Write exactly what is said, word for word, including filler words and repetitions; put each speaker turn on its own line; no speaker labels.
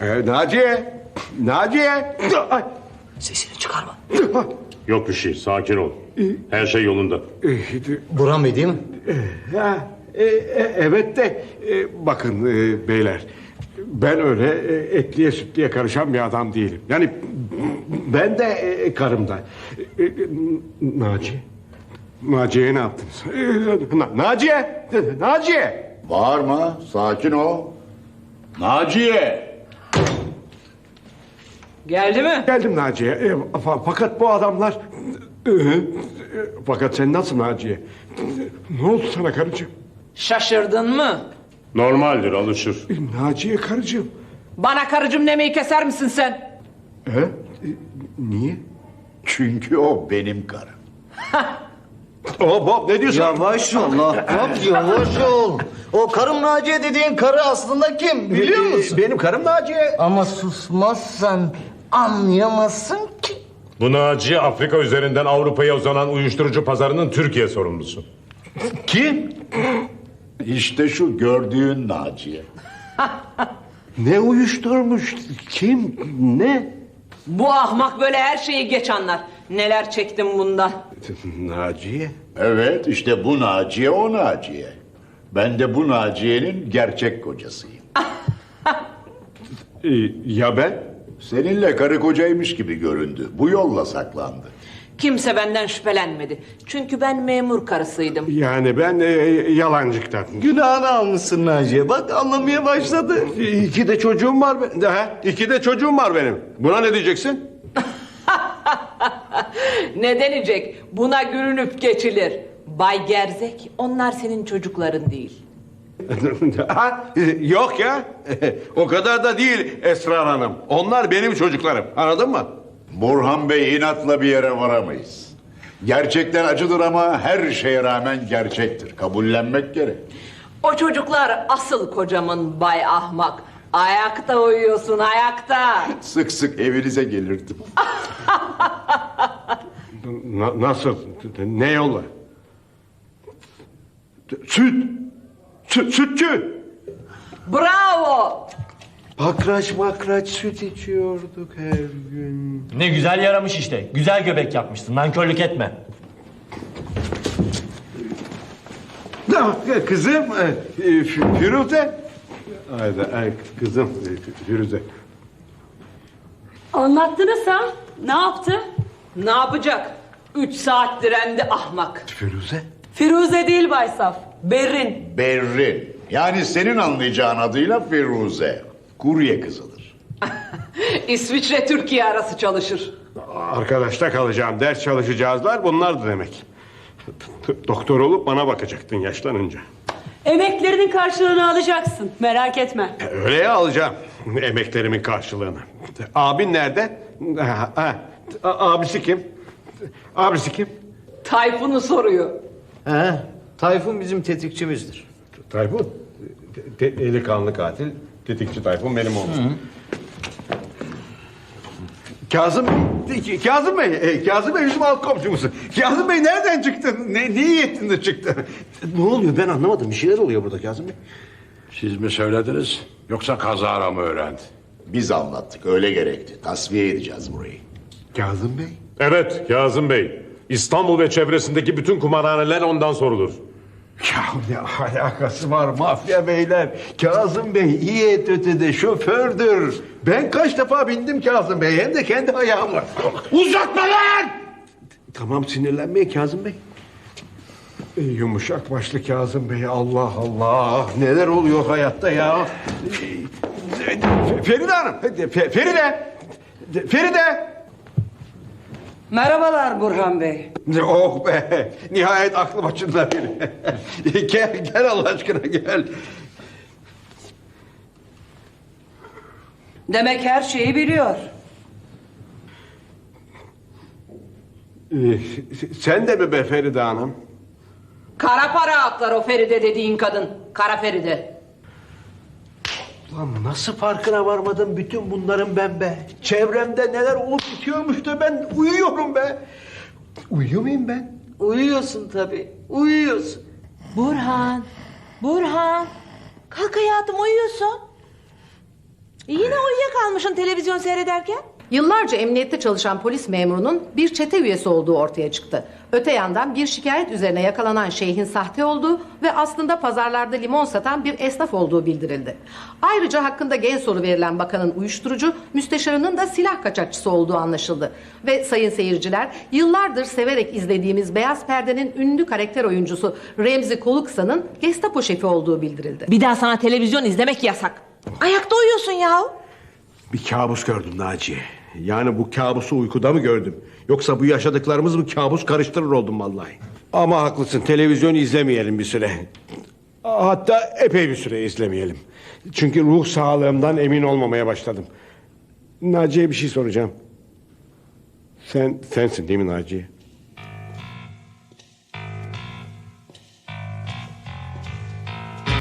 Ee, Naciye! Naciye! Ay!
Sesini çıkarma.
Yok bir şey, sakin ol. Her şey yolunda.
Burhan Bey değil mi?
Ha, e, e, evet de e, bakın e, beyler, ben öyle e, etliye sütliye karışan bir adam değilim. Yani ben de e, karımda. E, e, Naciye, Naciye'ye ne yaptınız? E, Na- Naciye, Naciye.
Bağırma, sakin ol. Naciye!
Geldi mi?
Geldim Naciye. E, fa- fakat bu adamlar... E, e, fakat sen nasıl Naciye? Ne oldu sana karıcığım?
Şaşırdın mı?
Normaldir, alışır.
E, Naciye karıcığım.
Bana karıcığım demeyi keser misin sen?
He? E, niye?
Çünkü o benim karım.
Hop hop, ne diyorsun?
Yavaş ol Ahbap, yavaş ol. O karım Naciye dediğin karı aslında kim biliyor musun?
Benim karım Naciye.
Ama susmazsan anlayamazsın ki.
Bu Naciye Afrika üzerinden Avrupa'ya uzanan uyuşturucu pazarının Türkiye sorumlusu.
Kim?
İşte şu gördüğün Naciye.
Ne uyuşturmuş? Kim? Ne?
Bu ahmak böyle her şeyi geç anlar. Neler çektim bundan.
Naciye.
Evet, işte bu Naciye o Naciye. Ben de bu Naciye'nin gerçek kocasıyım.
Ee, ya ben?
Seninle karı kocaymış gibi göründü. Bu yolla saklandı.
Kimse benden şüphelenmedi. Çünkü ben memur karısıydım.
Yani ben e, yalancıktan.
Günahını almışsın Naciye. Bak anlamaya başladı.
İki de çocuğum var. Ben. Ha, iki de çocuğum var benim. Buna ne diyeceksin?
Ne denecek? Buna gülünüp geçilir. Bay Gerzek, onlar senin çocukların değil.
Ha, yok ya. O kadar da değil Esrar Hanım. Onlar benim çocuklarım. Anladın mı?
Burhan Bey inatla bir yere varamayız. Gerçekler acıdır ama her şeye rağmen gerçektir. Kabullenmek gerek.
O çocuklar asıl kocamın Bay Ahmak. Ayakta uyuyorsun, ayakta.
Sık sık evinize gelirdim.
Na- nasıl? Ne yolla? Süt. Süt, sütçü.
Bravo.
Bakraç bakraç süt içiyorduk her gün.
Ne güzel yaramış işte. Güzel göbek yapmışsın. Nankörlük etme.
Ah, Kızım, e, e, F- Firuze. Haydi, ay, kızım e, Firuze.
Anlattınız ha? Ne yaptı?
Ne yapacak? Üç saat direndi ahmak.
Firuze?
Firuze değil Baysaf. Berrin.
Berrin. Yani senin anlayacağın adıyla Firuze. Kurye kızıdır.
İsviçre Türkiye arası çalışır.
Arkadaşta kalacağım, ders çalışacağızlar bunlardı demek. Doktor olup bana bakacaktın yaşlanınca.
Emeklerinin karşılığını alacaksın. Merak etme.
E, Öyle ya, alacağım emeklerimin karşılığını. Abin nerede? Ha, ha. A- Abisi kim? Abisi kim?
Tayfun'u soruyor.
He, Tayfun bizim tetikçimizdir.
Tayfun. De- delikanlı katil. Tetikçi Tayfun benim oğlum. Kazım Bey, Kazım Bey, e, Kazım Bey bizim alt komşumuz. Kazım Bey nereden çıktın? Ne, ne iyi ettin de çıktın? Ne oluyor ben anlamadım. Bir şeyler oluyor burada Kazım Bey.
Siz mi söylediniz yoksa kazara mı öğrendi?
Biz anlattık, öyle gerekti. Tasfiye edeceğiz burayı.
Kazım Bey?
Evet, Kazım Bey. İstanbul ve çevresindeki bütün kumarhaneler ondan sorulur.
Ya ne alakası var mafya beyler? Kazım Bey iyi et ötede şofördür. Ben kaç defa bindim Kazım Bey hem de kendi ayağımla.
Uzatma lan!
Tamam sinirlenmeyin Kazım Bey. Ey yumuşak başlı Kazım Bey, Allah Allah. Neler oluyor hayatta ya? Ee, Feride Hanım. Fe- Feride. Feride.
Merhabalar Burhan Bey.
Oh be. Nihayet aklı başında biri. Gel gel Allah aşkına gel.
Demek her şeyi biliyor.
Ee, sen de mi be Feride Hanım?
Kara para aklar o Feride dediğin kadın. Kara Feride.
Lan nasıl farkına varmadım bütün bunların ben be? Çevremde neler olup bitiyormuş da ben uyuyorum be. Uyuyor muyum ben?
Uyuyorsun tabii. Uyuyorsun.
Burhan. Burhan. Kalk hayatım uyuyorsun. Yine uyuyakalmışsın televizyon seyrederken.
Yıllarca emniyette çalışan polis memurunun bir çete üyesi olduğu ortaya çıktı. Öte yandan bir şikayet üzerine yakalanan şeyhin sahte olduğu ve aslında pazarlarda limon satan bir esnaf olduğu bildirildi. Ayrıca hakkında gen soru verilen bakanın uyuşturucu, müsteşarının da silah kaçakçısı olduğu anlaşıldı. Ve sayın seyirciler, yıllardır severek izlediğimiz Beyaz Perde'nin ünlü karakter oyuncusu Remzi Koluksa'nın Gestapo şefi olduğu bildirildi.
Bir daha sana televizyon izlemek yasak. Ayakta uyuyorsun ya.
Bir kabus gördüm Naciye. Yani bu kabusu uykuda mı gördüm? Yoksa bu yaşadıklarımız mı kabus karıştırır oldum vallahi. Ama haklısın, televizyon izlemeyelim bir süre. Hatta epey bir süre izlemeyelim. Çünkü ruh sağlığımdan emin olmamaya başladım. Naciye bir şey soracağım. Sen sensin değil mi Naciye?